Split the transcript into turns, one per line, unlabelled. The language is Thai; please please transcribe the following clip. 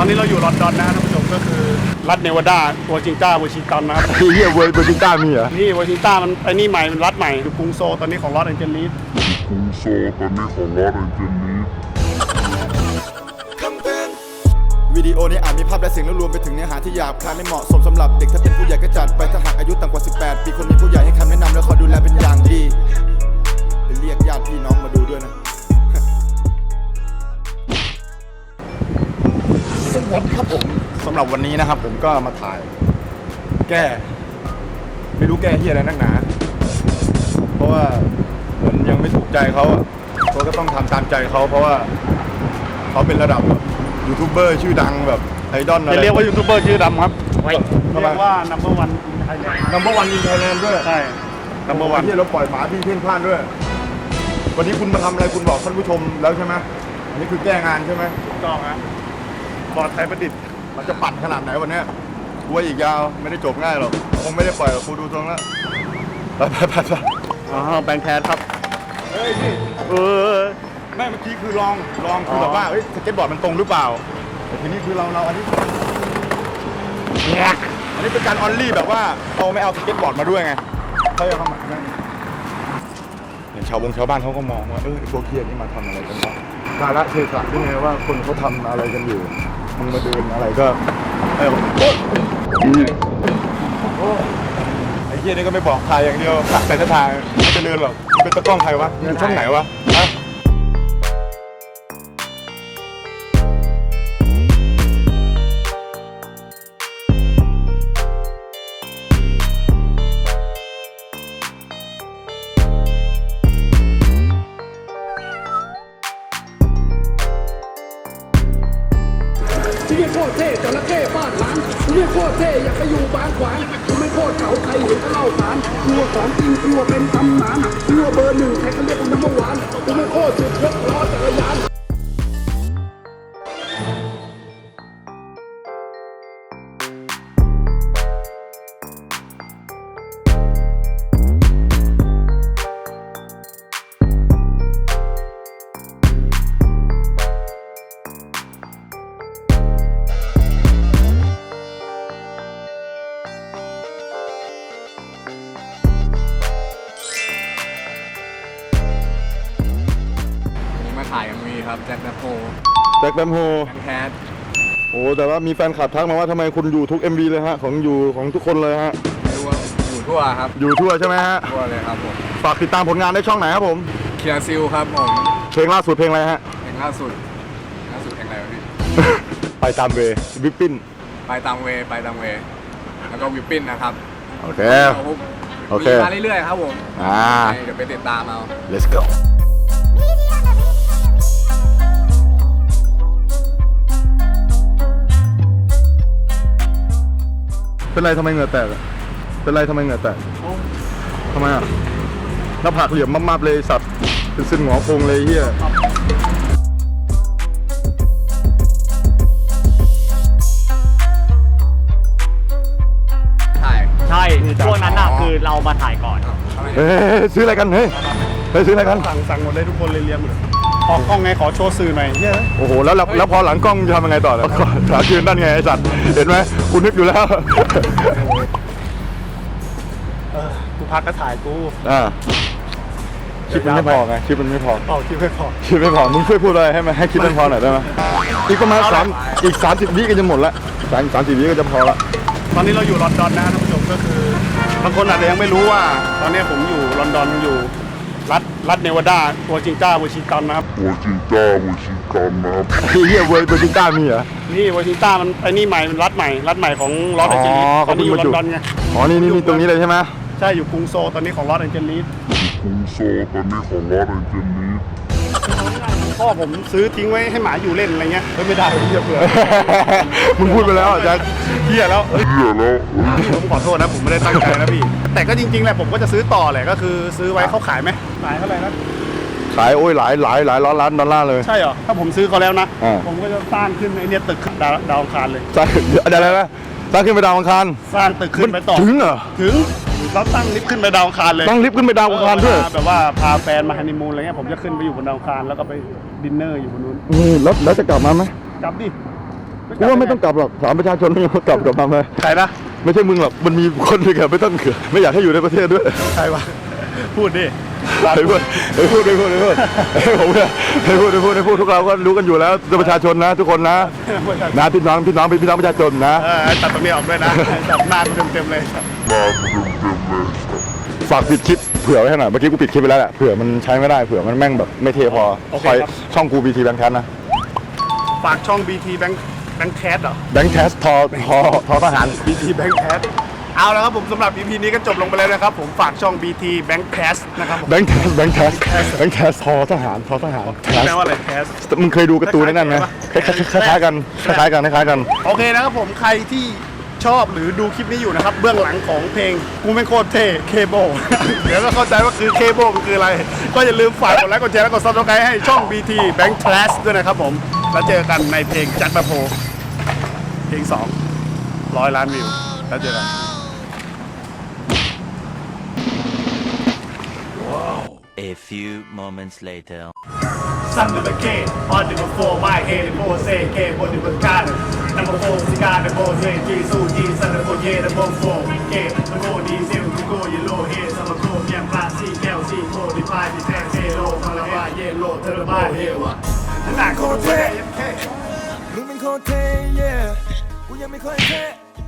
อนนี้เราอยู่ลอนดอนนะท่านผู้ชมก็คือรัฐเนวาดาวอชิงตันนะครับ
เฮียวอชิงตันมีเหรอ
นี่วอชิงตันมันไอ้นี่ใหม่มันรัฐใหม่อยู่กรุงโซลตอนนี้ของลอสแอนเจลิส
วิดีโอนี้อาจมีภาพและเสียงและรวมไปถึงเนื้อหาที่หยาบคายไม่เหมาะสมสำหรับเด็กถ้าเป็นผู้ใหญ่ก็จัดไปถ้าหากอายุต่ำกว่า 18 ปีคนมีผู้ใหญ่ให้คำแนะนำและคอยดูแลเป็นอย่างดีไปเรียกญาติพี่น้องมาดูด้วยนะสวัสดีครับผมสำหรับวันนี้นะครับผมก็มาถ่ายแก้ไม่รู้แก้เฮียอะไรนักหนาเพราะว่าเหมือนยังไม่ถูกใจเขาเขาก็ต้องทำตามใจเขาเพราะว่าเขาเป็นระดับยูทูบเบอร์ชื่อดังแบบไอดอลอะไร
จะเรียกว่ายูทูบเบอร์ชื่อดำครับเรียกว่า number one ไทยแลนด์
number one in Thailand ด้วย
ใช่ number one
ที่เราปล่อยหมาพี่เพ่นพลาดด้วยวันนี้คุณมาทำอะไรคุณบอกท่านผู้ชมแล้วใช่ไหมอันนี้คือแก้งานใช่ไหม
ถูกต้องฮะบอร์ดไทยประดิษฐ์
มันจะปั่นขนาดไหนวันนี้กูว่าอีกยาวไม่ได้จบง่ายหรอกคงไม่ได้ปล่อยหรอกกูดูตรงแล้วไป
อ๋อแบงค์แคสครับ
เฮ้ยพี่ไม่เมื่อกี้คือลองคือแบบว่าเฮ้ยสเก็ตบอร์ดมันตรงหรือเปล่าแต่ทีนี้คือเราอันนี้เป็นการออนลี่แบบว่าเราไม่เอาสเก็ตบอร์ดมาด้วยไงเขาจะเข้ามาเห็นชาวบ้านเขาก็มองว่าพวกเคียนี่มาทำอะไรกันวะกาละเทศะนี่ไงว่าคนเขาทำอะไรกันอยู่มึงมาเดินอะไรก็ไอ้เคียนี่ก็ไม่บอกทายอย่างเดียวแต่ถ้าทางไม่จะเดินหรอกมันเป็นตะกล้องใครวะอยู่ช่องไหนวะ
ที่นี่โคตรเท่จระเข้ฟาดหลังที่นี่โคตรเท่อยากไปอยู่บางขวางที่ไม่โคตรเก่าใครเห็นก็เล่าขานกลัวของจริงกลัวเป็นตำนานกลัวเบอร์หนึ่งใครก็เรียกว่านัมเบอร์วันที่ไม่โคตรสุดยกล้อจักรยาน
มาถ่ายกันมีครับแจ็คแบมโฮ
แจ็คแบมโฮ
แคท
โอ้แต่ว่ามีแฟนคลับทักมาว่าทำไมคุณอยู่ทุก MV เลยฮะของทุกคนเลยฮะ
ไม่รู้ว่าอยู่ทั่วครับ
อยู่ทั่วใช่ไหมฮะ
ทั่วเลยครับผม
ฝากติดตามผลงานได้ช่องไหนครับผม
เคียร์ซิลครับผม
เพลงล่าสุดเพลงอะไรฮะ
เพลงล่าสุดเพลงอะไรวะพี่
ไปตามเววิปปิ้น
ไปตามเวแล้วก็วิปปิ้นนะครับ
โอเค โอเค
มีมาเรื่อยๆครับผม เดี๋ยวไปติดตามเอา
let's go เป็นไรทำไมเหงื่อแตกอะเป็นไรทำไมเหงื่อแตกทำไมอ่ะหน้าผากเหลี่ยมมากๆเลยสัตว์เป็นซึ่งหงอโคงเลยเฮีย
ถ่าย
ใช่ช่วงนั้นน่ะคือเรามาถ่ายก่อน
เฮ้ยซื้ออะไรกันเฮ้ยซื้ออะไรกัน
สั่งหมดเลยทุกคนเลยเรียมหมดขอกล้องไงขอโชว์สื่อหน่อยเฮ้ย
โอ้โหแล้วพอหลังกล้องจะทำยังไงต่อแล้วขายืนด้านไงไอ้สัตว์เห็นไหมกูนึกอยู่แล้ว
กูพักก็ถ่ายกู
คลิปมันไม่พอไงคลิปมันไม่พอ
ต่อคิวไม่พอ
คลิปไม่พอมึงช่วยพูดอะไรให้คลิปมันพอหน่อยได้ไหมอีกประมาณ30 วิก็จะหมดละ30 วิก็จะพอละ
ตอนนี้เราอยู่ลอนดอนนะท่านผู้ชมก็คือบางคนอาจจะยังไม่รู้ว่า ตอนนี้ผมอยู่ลอนดอนอยู่รัฐเนวาดาวอชิงตันนะครับ
เฮียวอชิงตันมีเหรอ
นี่วอชิงตันมันไอ้นี่ใหม่มันรัฐใหม่ของลอสแอนเจลิสตอนนี้อยู่ลอนดอนไง
อ๋อนี่ตรงนี้เลยใช่ไหม
ใช่อยู่กรุงโซลตอนนี้ของลอสแอนเจลิสพ่อผมซื้อทิ้งไว้ให้หมาอยู่เล่นอะไรเงี้ยไม่ได้เหี้ยเผื่อ
มึงพูดไปแล้วจะ
เหี้ยแล้วผมขอโทษนะผมไม่ได้ตั้งใจนะพี่แต่ก็จริงๆแหละผมก็จะซื้อต่อแหละก็คือซื้อไว้เขาขายไหมขายเท่าไหร่นะ
ขายโอ้ยหลายร้อยล้านดอลลาร์เลย
ใช่เหรอถ้าผมซื้อเขาแล้วนะ
อ่า
ผมก็จะสร้างขึ้นไอ้เนี่ยตึกดาวอังคารเลย
สร้างอะไรนะสร้างขึ้นไปดาวอังคาร
สร้างตึกขึ้นไปต่อ
ถึงเหรอ
ถึงเราตั้งลิฟต์ขึ้นไปดาวอังคารเลย
ตั้งลิฟต์ขึ้นไปดาวอังคารด้วย
แบบว่าพาแฟนมาฮันนีมูนอะไรเงี้ยผมจะขึ้นไปอยู่บนดาวอังคารแล้วก็ไปดินเนอร์อยู่บนนู้น
แล้วจะกลับมาไหม
กลับดิไม่
กูว่าไม่ต้องกลับหรอกถามประชาชนไม่ต้องกลับมาไหม
ใครนะ
ไม่ใช่มึงหรอกมันมีคนหนึ่งอะไม่ต้องเขือไม่อยากให้อยู่ในประเทศด้วย
ใครวะพูดดิ
ไอ้พูดผมเนี่ยไอ้พูดทุกเราก็รู้กันอยู่แล้วประชาชนนะทุกคนนะพี่น้องประชาชนนะ
ตัดตรงนี้ออกด้วยนะตัดหน้าเต็มๆเลย
ฝากปิดคลิปเผื่อไว้ให้หน่อยเมื่อกี้กูปิดคลิปไปแล้วแหละเผื่อมันใช้ไม่ได้เผื่อมันแม่งแบบไม่เทพอคอยช่องกู BT Bank Cast นะ
ฝากช่อง BT Bank Cast เหรอ
Bank Cast ทอทหาร
BT Bank Cast เอาแล้วครับผมสำหรับ EP นี้ก็จบลงไปแล้วนะครับผมฝากช่อง BT Bank Cast นะครับผม
Bank Cast ทอทหาร
แปลว่าอะไร Cast
มึงเคยดูการ์ตูนนั่นไหมคล้ายๆกัน
โอเคนะครับผมใครที่ชอบหรือดูคลิปนี้อยู่นะครับเบื้องหลังของเพลงกูไม่โคตรเท่เคโบ เดี๋ยวก็เข้าใจว่าคือเคโบมันคืออะไร ก็อย่าลืมฝากกดไลค์กดแชร์และกดซับสไครต์ให้ช่อง BT Bank Cast ด้วยนะครับผมแล้วเจอกันในเพลงจักรโพเพลง200 ล้านวิวแล้วเจอกัน
A few moments later.
Son of a kid, on the before my head, the boy say, "Kid, what you got?" Number 4, cigar, the boy say, "Jesus, Jesus, son of a kid, the boy 4, kid, the boy diesel, the boy yellow head, some of the yeah, plastic, LC, 45, the tank, zero, from the bar, yellow, to the bar, here, what? I'm not gonna say,
มึงเป็นคนเท่ yeah กูยังไม่ค่อยเท่